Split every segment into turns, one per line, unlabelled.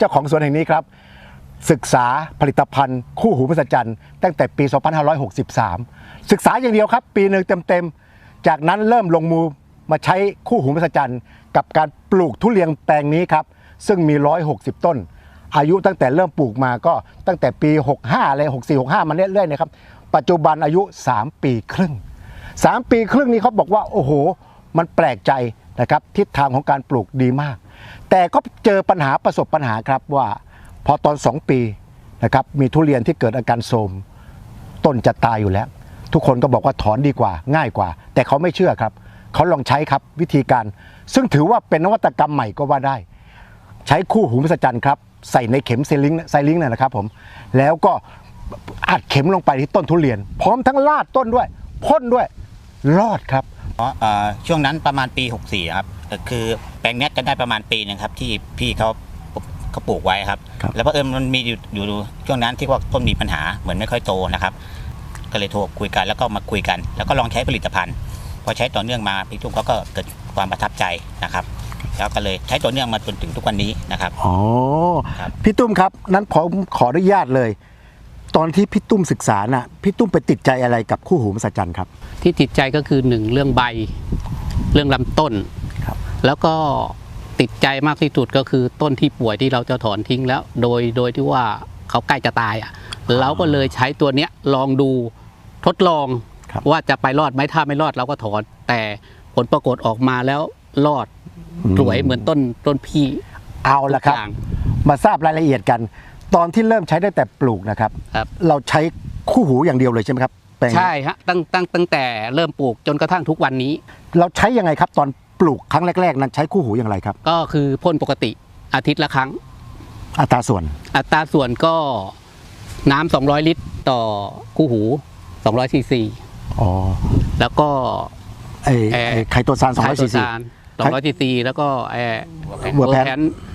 เจ้าของสวนแห่งนี้ครับศึกษาผลิตภัณฑ์คู่หูมหัศจรรย์ตั้งแต่ปี 2563 ศึกษาอย่างเดียวครับปีหนึ่งเต็มๆจากนั้นเริ่มลงมือมาใช้คู่หูมหัศจรรย์กับการปลูกทุเรียนแปลงนี้ครับซึ่งมี160ต้นอายุตั้งแต่เริ่มปลูกมาก็ตั้งแต่ปี65เลย64 65มาเรื่อยๆนะครับปัจจุบันอายุ3ปีครึ่ง3ปีครึ่งนี้เขาบอกว่าโอ้โหมันแปลกใจนะครับทิศทางของการปลูกดีมากแต่ก็เจอปัญหาประสบปัญหาครับว่าพอตอน2ปีนะครับมีทุเรียนที่เกิดอาการโทรมต้นจะตายอยู่แล้วทุกคนก็บอกว่าถอนดีกว่าง่ายกว่าแต่เขาไม่เชื่อครับเขาลองใช้ครับวิธีการซึ่งถือว่าเป็นนวัตกรรมใหม่ก็ว่าได้ใช้คู่หูมหัศจรรย์ครับใส่ในเข็มไซลิงค์นะครับผมแล้วก็อัดเข็มลงไปที่ต้นทุเรียนพร้อมทั้งลาดต้นด้วยพ่นด้วยรอดครับ
ช่วงนั้นประมาณปี64ครับคือแปลงนี้จะได้ประมาณปีนึงครับที่พี่เขาปลูกไว้ครับแล้วเพราะมันมีอยู่ช่วงนั้นที่ว่าต้นมีปัญหาเหมือนไม่ค่อยโตนะครับก็เลยโทรคุยกันแล้วก็มาคุยกันแล้วก็ลองใช้ผลิตภัณฑ์พอใช้ต่อเนื่องมาพี่ตุ้มเขาก็เกิดความประทับใจนะครับแล้วก็เลยใช้ต่อเนื่องมาจนถึงทุกวันนี้นะครับ
อ๋อพี่ตุ้มครับนั้นผมขออนุญาตเลยตอนที่พี่ตุ้มศึกษาน่ะพี่ตุ้มไปติดใจอะไรกับคู่หูมหัศจรรย์ครับ
ที่ติดใจก็คือ1เรื่องใบเรื่องลำต้นแล้วก็ติดใจมากที่สุดก็คือต้นที่ป่วยที่เราจะถอนทิ้งแล้วโดยที่ว่าเขาใกล้จะตายเราก็เลยใช้ตัวเนี้ยลองดูทดลองว่าจะไปรอดไหมถ้าไม่รอดเราก็ถอนแต่ผลปรากฏออกมาแล้วรอดสวยเหมือนต้นพี่
เอาละครับมาทราบรายละเอียดกันตอนที่เริ่มใช้ได้แต่ปลูกนะครับเราใช้คู่หูอย่างเดียวเลยใช่ไหมครับ
ใช่ฮะตั้งแต่เริ่มปลูกจนกระทั่งทุกวันนี้
เราใช้ยังไงครับตอนปลูกครั้งแรกๆนั้นใช้คู่หูอย่างไรครับ
ก็คือพ่นปกติอาทิตย์ละครั้ง
อัตราส่วน
ก็น้ำ200 ลิตรต่อคู่หู200 ซีซีแล้วก็
ไคโตซาน200 ซีซี
200 ซีซีแล้วก็เวอร์แพน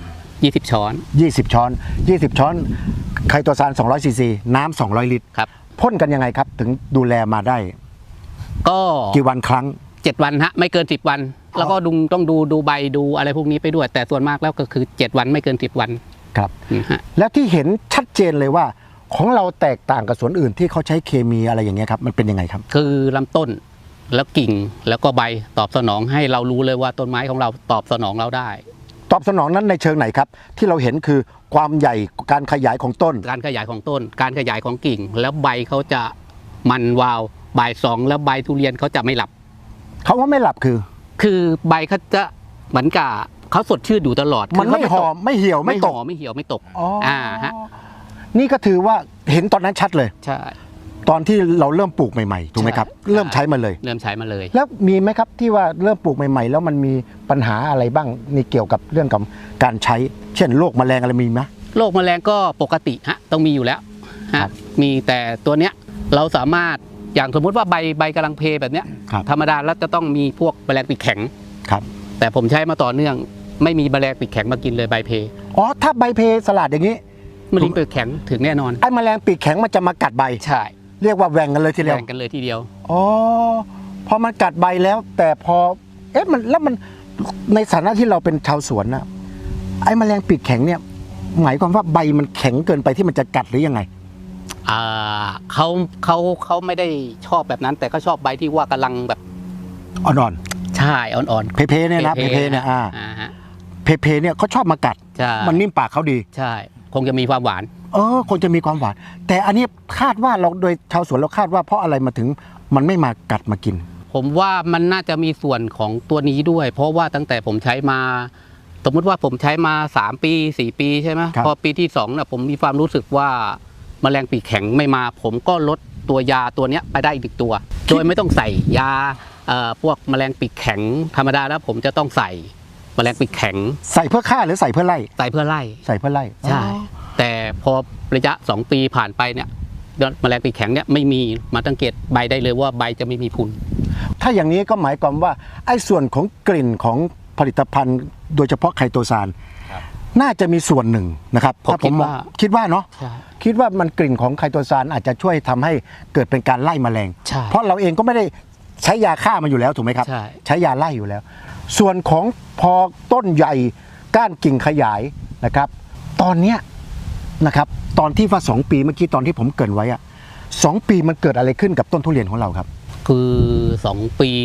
20 ช้อน
20 ช้อนไคโตซาน200 ซีซีน้ำ200 ลิตร
ครับ
พ่นกันยังไงครับถึงดูแลมาได้
ก็
กี่วันครั้ง
7 วันฮะไม่เกิน10 วันแล้วก็ต้องดูใบดูอะไรพวกนี้ไปด้วยแต่ส่วนมากแล้วก็คือ7 วันไม่เกิน10 วัน
ครับแล้วที่เห็นชัดเจนเลยว่าของเราแตกต่างกับสวนอื่นที่เขาใช้เคมีอะไรอย่างเงี้ยครับมันเป็นยังไงครับ
คือลำต้นแล้วกิ่งแล้วก็ใบตอบสนองให้เรารู้เลยว่าต้นไม้ของเราตอบสนองเราได้
ตอบสนองนั้นในเชิงไหนครับที่เราเห็นคือความใหญ่การขยายของต้น
การขยายของกิ่งแล้วใบเขาจะมันวาวบ่าย2แล้วใบทุเรียนเขาจะไม่หลับ
เขาว่าไม่หลับ
คือใบเขาจะเหมือนกับเขาสดชื่นอยู่ตลอด
มันไม่หอมไม่เหี่ยวไม่ตก
ฮะ
นี่ก็ถือว่าเห็นตอนนั้นชัดเลย
ใช่
ตอนที่เราเริ่มปลูกใหม่ๆถูกไหมครับเริ่มใช้มาเลยแล้วมีไหมครับที่ว่าเริ่มปลูกใหม่ๆแล้วมันมีปัญหาอะไรบ้างนี่เกี่ยวกับเรื่องกับการใช้เช่นโรคแมลงอะไรมีไหม
โรคแมลงก็ปกติฮะต้องมีอยู่แล้วฮะมีแต่ตัวเนี้ยเราสามารถอย่างสมมุติว่าใบกำลังเพแบบเนี้ยธรรมดาแล้วจะต้องมีพวกแมลงปีกแข็ง
ครับ
แต่ผมใช้มาต่อเนื่องไม่มีแมลงปีกแข็งมากินเลยใบเพ
ถ้าใบเพสลัดอย่างนี้
แมลงปีกแข็งถึงแน่นอน
ไอ้แมลงปีกแข็งมันจะมากัดใบ
ใช่
เรียกว่าแหว่งกันเลยทีเดียวพอมันกัดใบแล้วแต่พอมันในฐานะที่เราเป็นชาวสวนนะไอ้แมลงปีกแข็งเนี่ยหมายความว่าใบมันแข็งเกินไปที่มันจะกัดหรือยังไง
เขาไม่ได้ชอบแบบนั้นแต่ก็ชอบใบที่ว่ากำลังแบบ
อ่อน
ใช่อ่อน
เพเนี่ยนะเพเนี่ยเพเนี่ยเขาชอบมากัดมันนิ่มปากเขาดี
ใช่คงจะมีความหวาน
คงจะมีความหวานแต่อันนี้คาดว่าเราโดยชาวสวนเราคาดว่าเพราะอะไรมาถึงมันไม่มากัดมากิน
ผมว่ามันน่าจะมีส่วนของตัวนี้ด้วยเพราะว่าตั้งแต่ผมใช้มาสมมติว่าผมใช้มา3 ปี 4 ปีใช่ไหมพอปีที่2เนี่ยผมมีความรู้สึกว่าแมลงปีกแข็งไม่มาผมก็ลดตัวยาตัวนี้ไปได้อีกตัวโดยไม่ต้องใส่ยาพวกแมลงปีกแข็งธรรมดาแล้วผมจะต้องใส่แมลงปีกแข็ง
ใส่เพื่อฆ่าหรือใส่เพื่อไล่
ใส่เพื่อไล่ใช่แต่พอระยะ2 ปีผ่านไปเนี่ยแมลงปีกแข็งเนี่ยไม่มีมาสังเกตใบได้เลยว่าใบจะไม่มีพุน
ถ้าอย่างนี้ก็หมายความว่าไอ้ส่วนของกลิ่นของผลิตภัณฑ์โดยเฉพาะไคโตซานน่าจะมีส่วนหนึ่งนะครับ
ผม
คิดว่าเนาะคิดว่ามันกลิ่นของไคโตซานอาจจะช่วยทำให้เกิดเป็นการไล่แมลงเพราะเราเองก็ไม่ได้ใช้ยาฆ่ามันอยู่แล้วถูกไหมครับใช้ยาไล่อยู่แล้วส่วนของพอต้นใหญ่ก้านกิ่งขยายนะครับตอนเนี้ยนะครับตอนที่ว่า2 ปีเมื่อกี้ตอนที่ผมเกริ่นไว้อะ2 ปีมันเกิดอะไรขึ้นกับต้นทุเรียนของเราครับ
คือ2 ปี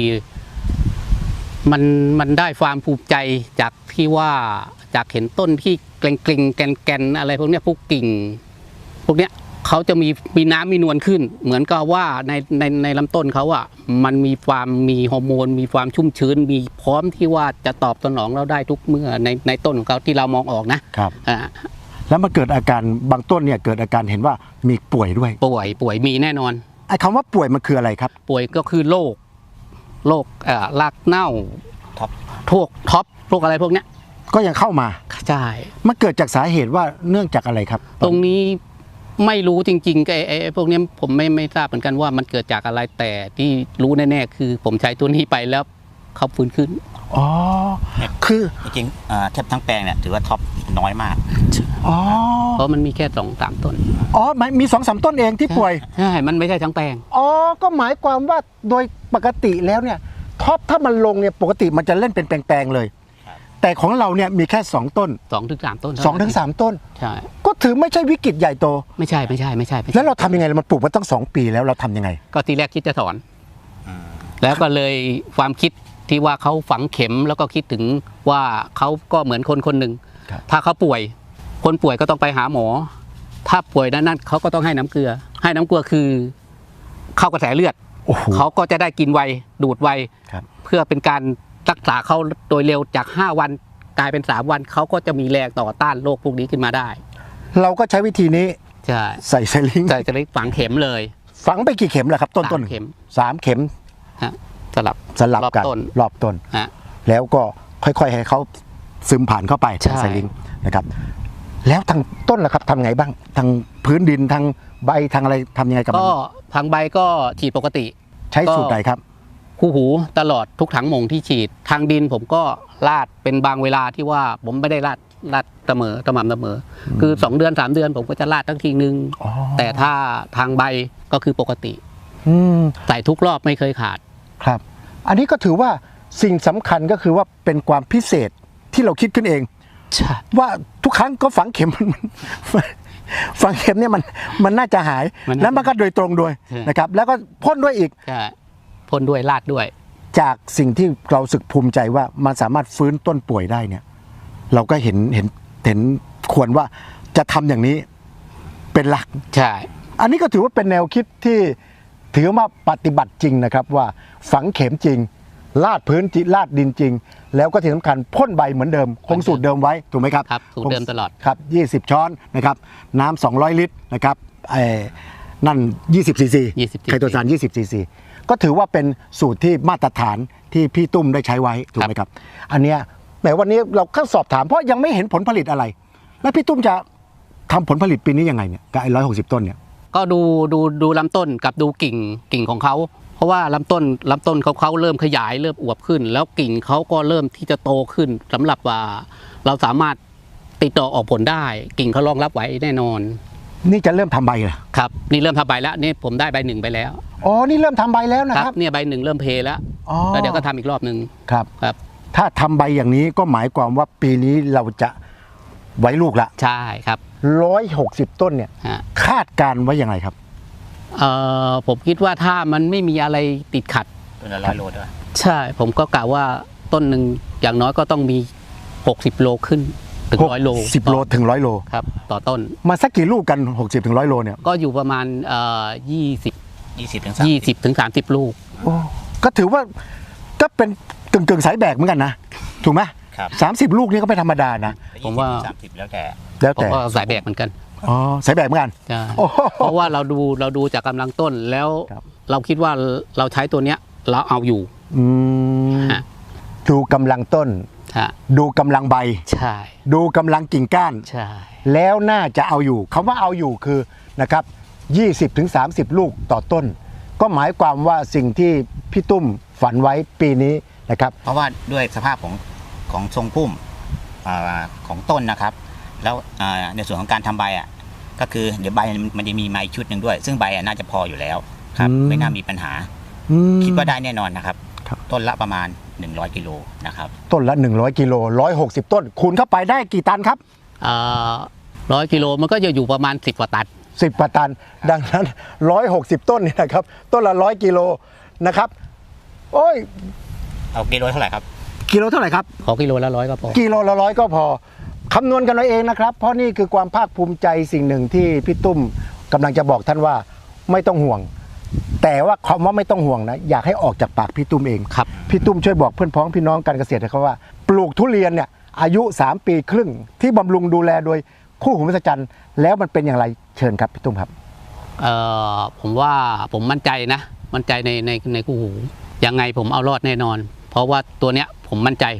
มันได้ความภูมิใจจากที่ว่าจากเห็นต้นที่เกร็งๆแกนๆอะไรพวกเนี้ยพวกกิ่งพวกเนี้ยเขาจะมีน้ำมีนวลขึ้น เหมือนกับว่าในลำต้นเขาอ่ะมันมีฮอร์โมนมีความชุ่มชื้นมีพร้อมที่ว่าจะตอบสนองเราได้ทุกเมื่อในต้นของเขาที่เรามองออกนะครับอ่า
แล้วมันเกิดอาการบางต้นเนี่ยเกิดอาการเห็นว่ามีป่วยด้วย
ป่วยมีแน่นอน
ไอ้คำว่าป่วยมันคืออะไรครับ
ป่วยก็คือโรครากเน่า
ท็อป
พวกท็อปพวกอะไรพวกเนี้ย
ก็ยังเข้ามา
ใช่
มันเกิดจากสาเหตุว่าเนื่องจากอะไรครับ
ตรงนี้ไม่รู้จริงๆไอ้พวกเนี้ยผมไม่ทราบเหมือนกันว่ามันเกิดจากอะไรแต่ที่รู้แน่ๆคือผมใช้ตัวนี้ไปแล้วเขาฟื้นขึ้น
อ๋อคือ
จริงๆแทบทั้งแปลงเนี่ยถือว่าท็อปน้อยมาก
อ๋อ
เพราะมันมีแค่2-3 ต้น
อ๋อมี2-3 ต้นเองที่ป่วย
ใช่มันไม่ใช่ทั้งแปลง
อ๋อก็หมายความว่าโดยปกติแล้วเนี่ยท็อปถ้ามันลงเนี่ยปกติมันจะเล่นเป็นแปลงๆเลย
ครับ
แต่ของเราเนี่ยมีแค่2 ต้น
2-3 ต้น
2-3 ต้น
ใช่
ก็ถือไม่ใช่วิกฤตใหญ่โต
ไม่ใช่
แล้วเราทำยังไงมันปลูกมาตั้ง2 ปีแล้วเราทำยังไง
ก็ทีแรกคิดจะถอน
อืม
แล้วก็เลยความคิดที่ว่าเขาฝังเข็มแล้วก็คิดถึงว่าเขาก็เหมือนคนหนึ่ง
ครับ
ถ้าเขาป่วย คนป่วยก็ต้องไปหาหมอ ถ้าป่วยนั้นเขาก็ต้องให้น้ำเกลือ ให้น้ำเกลือคือเข้ากระแสเลือด
โอ้โห
เขาก็จะได้กินไวดูดไว
ครับ
เพื่อเป็นการรักษาเขาโดยเร็วจาก5 วันกลายเป็น3 วันเขาก็จะมีแรงต่อต้านโรคพวกนี้ขึ้นมาได้
เราก็ใช้วิธีนี้
ใช่
ใส่ไซลิง
ใช่จะได้ฝังเข็มเลย
ฝังไปกี่เข็มล่ะครับต้น
3 เข็ม
3 เข็ม
ฮะสลับ
สลับกัน
รอบต้น
รอบต้น
ฮะ
แล้วก็ค่อยๆให้เขาซึมผ่านเข้าไป
ใช่
ทางไซลิงนะครับ แล้วทางต้นล่ะครับทำไงบ้างทางพื้นดินทางใบทางอะไรทำยังไงกับมั
ก็
น
พังใบก็ฉีดปกติ
ใช้สูตรไหนครับ
คู่หูตลอดทุกถังหม่งที่ฉีดทางดินผมก็ลาดเป็นบางเวลาที่ว่าผมไม่ได้ลาดเสมอสม่ำเสมอ คือ2 เดือน 3 เดือนผมก็จะลาดทั้งทีนึง
อ๋อ
แต่ถ้าทางใบก็คือปกติ
อืม
ใส่ทุกรอบไม่เคยขาด
ครับ อันนี้ก็ถือว่าสิ่งสำคัญก็คือว่าเป็นความพิเศษที่เราคิดขึ้นเอง
ใช่
ว่าทุกครั้งก็ฝังเข็มฝังเข็มเนี่ยมันน่าจะหาย แล้วมันก็โดยตรงด้วยนะครับ แล้วก็พ่นด้วยอีก
ใช่พ่นด้วยลาดด้วย
จากสิ่งที่เราสึกภูมิใจว่ามันสามารถฟื้นต้นป่วยได้เนี่ย เราก็เห็นควรว่าจะทำอย่างนี้เป็นหลัก
ใช่
อันนี้ก็ถือว่าเป็นแนวคิดที่ถือว่าปฏิบัติจริงนะครับว่าฝังเข็มจริง ลาดพื้นจริงลาดดินจริง แล้วก็ที่สำคัญพ่นใบเหมือนเดิมคงสูตรเดิมไว้ถูกไหมครับ
ครับสูตรเดิมตลอด
ครับ20 ช้อนนะครับน้ำ200 ลิตรนะครับนั่น20 ซีซี
20
ไคโตซาน20 ซีซีก็ถือว่าเป็นสูตรที่มาตรฐานที่พี่ตุ้มได้ใช้ไว้ถูกไหมครับ อันเนี้ยแหมวันนี้เราแค่สอบถามเพราะยังไม่เห็นผลผลิตอะไร แล้วพี่ตุ้มจะทำผลผลิตปีนี้ยังไงเนี่ยกับไอ้160 ต้นเนี่ย
ก็ดูลำต้นกับดูกิ่งของเขาเพราะว่าลำต้นเขาเริ่มขยายเริ่มอวบขึ้น แล้วกิ่งเขาก็เริ่มที่จะโตขึ้นสำหรับว่าเราสามารถติดต่อออกผลได้ กิ่งเขารองรับไว้แน่นอน
นี่จะเริ่มทำใบเหรอ
ครับนี่เริ่มทำใบแล้วนี่ผมได้ใบ 1ไปแล้ว
อ๋อนี่เริ่มทำใบแล้วนะ
ค
ค
รั
รั
บบ เนี่ยใบ 1เริ่มเพแล้ว
อ๋อ
แล้วเดี๋ยวก็ทำอีกรอบหนึ่ง
ครับ
ครับ
ถ้าทำใบอย่างนี้ก็หมายความว่าปีนี้เราจะไว้ลูกละ
ใช่ครับ
160 ต้นเนี่ย
ฮะ
คาดการณ์ไว้ยังไงครับ
ผมคิดว่าถ้ามันไม่มีอะไรติดขัด
ต้นละ100 โลด้วย
ใช่ผมก็กะว่าต้นหนึ่งอย่างน้อยก็ต้องมี60 โลขึ้นถึง100 โล
10 โลถึง100 โล
ครับต่อต้น
มาสักกี่ลูกกัน 60 ถึง 100 โลเนี่ย
ก็อยู่ประมาณ
20 ถึง
20ถึง30 ลูก
ก็ถือว่าก็เป็นกึ่งสายแบกเหมือนกันนะ ถูกไหม
ครับ
30 ลูกนี่ก็ไม่ธรรมดานะ
ผมว่า
30 แล้วแต่
แล้ว
ผม
แต่
ก็สายแบกเหมือนกัน
อ๋อสายแบกเหมือนกัน
ใช่
โอ้โห
เพราะว่าเราดูจากกำลังต้นแล้ว
ครับ
เราคิดว่าเราใช้ตัวเนี้ยเราเอาอยู่
อืม
ฮะ
ดูกำลังต้น
ฮะ
ดูกำลังใบ
ใช่
ดูกำลังกิ่งก้าน
ใช่
แล้วน่าจะเอาอยู่คำว่าเอาอยู่คือนะครับ20 ถึง 30 ลูกต่อต้น ก็หมายความว่าสิ่งที่พี่ตุ้มฝันไว้ปีนี้นะครับ
เพราะว่าด้วยสภาพของทรงพุ่มของต้นนะครับ แล้วในส่วนของการทำใบก็คือเดี๋ยวใบมันจะมีไม้ชุดหนึ่งด้วย ซึ่งใบน่าจะพออยู่แล้วครับ
อืม
ไม่น่ามีปัญหา คิดว่าได้แน่นอนนะครับ
ครับ
ต้นละประมาณ100 กิโลนะครับ
ต้นละ100 กิโล160 ต้น คูณเข้าไปได้กี่ตันครับ
100 กิโลมันก็จะอยู่ประมาณ10กว่าตัน
10กว่าตัน ดังนั้น160 ต้นเนี่ยนะครับต้นละ100 กิโลนะครับโอ้ย
เอากิโลเท่าไหร่ครับ
กิโลเท่าไหร่ครับ
ขอกิโลละ100ก็พอ
กิโลละ100ก็พอคำนวณกันเอาเองนะครับ เพราะนี่คือความภาคภูมิใจสิ่งหนึ่งที่พี่ตุ้มกำลังจะบอกท่านว่าไม่ต้องห่วง แต่ว่าคำว่าไม่ต้องห่วงนะอยากให้ออกจากปากพี่ตุ้มเอง
ครับ
พี่ตุ้มช่วยบอกเพื่อนพ้องพี่น้องการเกษตรนะครับว่า ปลูกทุเรียนเนี่ยอายุ3 ปีครึ่งที่บำรุงดูแลโดยคู่หูมหัศจรรย์แล้วมันเป็นอย่างไรเชิญครับพี่ตุ้มครับ
ผมว่าผมมั่นใจนะมั่นใจในคู่หูยังไงผมเอารอดแน่นอน เพราะว่าตัวเนี้ยผมมั่นใจ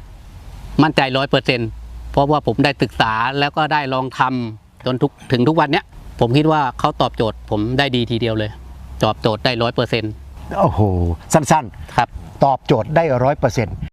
100%เพราะว่าผมได้ศึกษาแล้วก็ได้ลองทำจนถึงทุกวันเนี้ยผมคิดว่าเขาตอบโจทย์ผมได้ดีทีเดียวเลยตอบโจทย์ได้100%
โอ้โหสั้นๆ
ครับ
ตอบโจทย์ได้100%